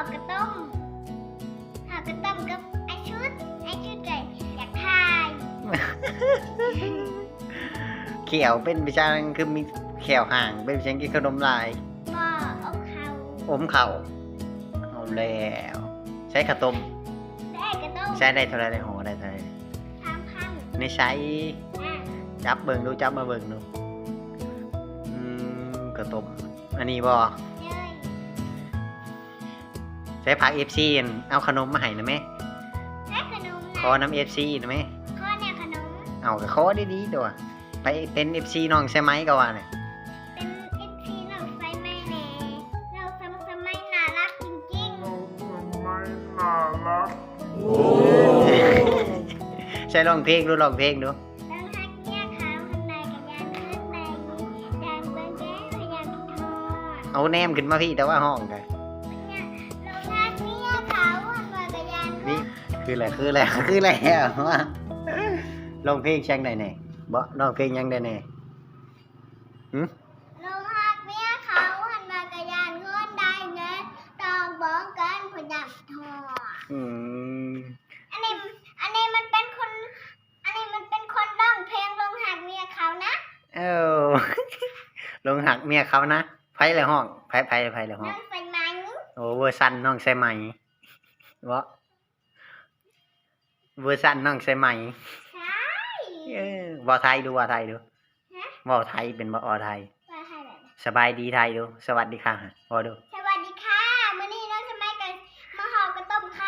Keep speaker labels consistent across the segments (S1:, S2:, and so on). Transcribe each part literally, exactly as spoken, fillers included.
S1: กระต้มห่อกระต้มกับไอชุดไอชุดไก่อยากทาย
S2: เขียวเป็นวิชาคือมีแขวห่างเป็นวิชากินขนมลาย
S1: บ่เอาเขา
S2: อมเข่าเอาแล้วใช้ข้าวต้ม
S1: ได้กระต้ม
S2: ใช้ได้เท่าไรได้ห่อได้เท่าไร
S1: สามพัน
S2: ในใช้
S1: อ่ะ
S2: จับเบิ่งดูจับมาเบิ่งดูอืมข้าวต้มอันนี้บ่
S1: เลย
S2: ใช้ผักเอฟซีเอาขนมมาให้นะแม่
S1: และขนม
S2: ขอ
S1: นะ
S2: น้ำเอฟซีนะแม่
S1: ข้อเนี่ยขนม
S2: เอาก็ขอดีๆตัวไปเป็นเอฟซีน้องใช่ไหมก็ว่าเนี่ย
S1: เป็นเอฟซีเราไฟไม่แน่เราสมัยสมัยน่ารักจริง
S2: ใช่ร้องเพลงดูร้องเพลงดู
S1: ๆดังฮักเนี่ยขาวข้างในกับยานข้างในยานเบิ้งแก้พยายามทอด
S2: เอาแนมขึ้นมาพี่แต่ว่าห้องกัน
S1: เนี่ยเราฮักเนี่ยขาวข้างในกับยาน
S2: นี่คืออะไรคืออะไรคืออะไรว่าร้องเพลงช่างได้แน่บ่ร้องเพลงยังได้แน่หึ
S1: เราฮักเนี่ยขาวข้างในกับยานเงินได้เงินตองเบิ้งกันพยายามทอด
S2: อืม
S1: อันนี้อันนี้มันเป็นคน อันนี้มันเป็นคนร้องเพลงลงหักเมียเขานะ
S2: เอ้า ลงหักเมียเขานะไผเลยห้องไผไผไผเลยห้อ
S1: น้
S2: ง
S1: องไฟไหม
S2: โอ้เวอร์ซันน้องใส่ไหมบ่เวอร์ซันน้องใส่ไหม
S1: ใช่
S2: เออบ่ไทยดูบ่ไทยดู
S1: ฮะ
S2: บ่ไทยเป็นบ่อไทย
S1: ว่าให้แบบ
S2: สบายดีไทยดูสวัสดีค่ะบ่ดู
S1: สวัสดีค่ะมื้อนี้น้องสมัยกันมาห่อกระต้มค่ะ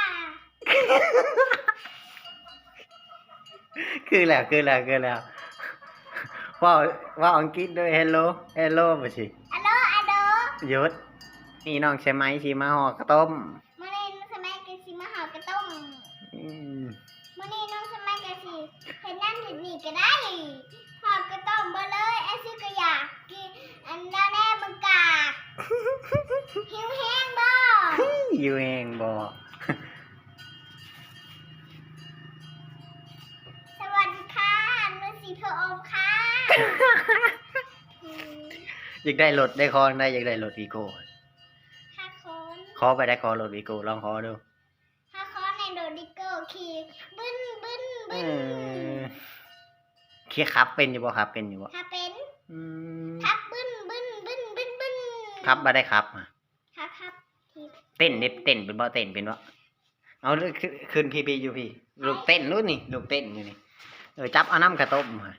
S2: คือแล้วคือแล้วคือแล้วว่าว่าอังกฤษด้วย hello hello บ่สิ
S1: อัลโหลอัลโหล
S2: หยุดนี่น้องใช่ไหมสิมาห่อข้าวต้ม
S1: มื้อนี้น้องสมัยกันสิมาห่อกระต้ม
S2: อืม
S1: มื้อนี้น้องสมัยกันสิเฮ็ดนั่นเฮ็ดนี่ก็ได้ห่อกระต้มบ่เลยไอ้ซื้อก็อยากกินอันนั้นแน่มึงกากหิวแห้งบ่
S2: อยู่เองบ่
S1: สวัสดีค่ะนุสีเธออมค่ะ
S2: อยากได้รถได้คอได้อยากได้รถวีโก้
S1: ห้าคน
S2: ขอไปได้คอรถวีโก้ลองขอดู
S1: ห้าคนในโดดิเกอร์ขี่บึ้นบึ้น
S2: เอ
S1: บึ้น
S2: อเคียขับเป็นอยู่บ่ครับเป็นอยู่บ่
S1: ถ้าเป็น
S2: อืม
S1: ทับบึ้นบึ้นบึ้นบึ้นบึ้น
S2: ครับบ่ได้ครับ
S1: ครับครับที
S2: เต้นเด็บเต้นเป็นบ่เต้นเป็นบ่เอาขึ้นขึ้นพี่พี่อยู่พี่ลูกเต้นนู้นนี่ลูกเต้นอยู่นี่เออจับเอาน้ำกระต้มมา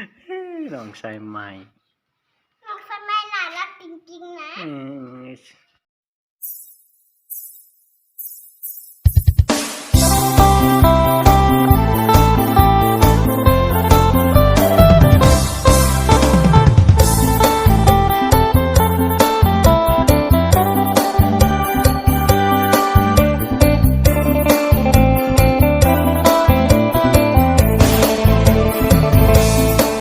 S2: ลองใส่ไม้
S1: น้องสมัยน่ารักจริงๆนะ
S2: อืม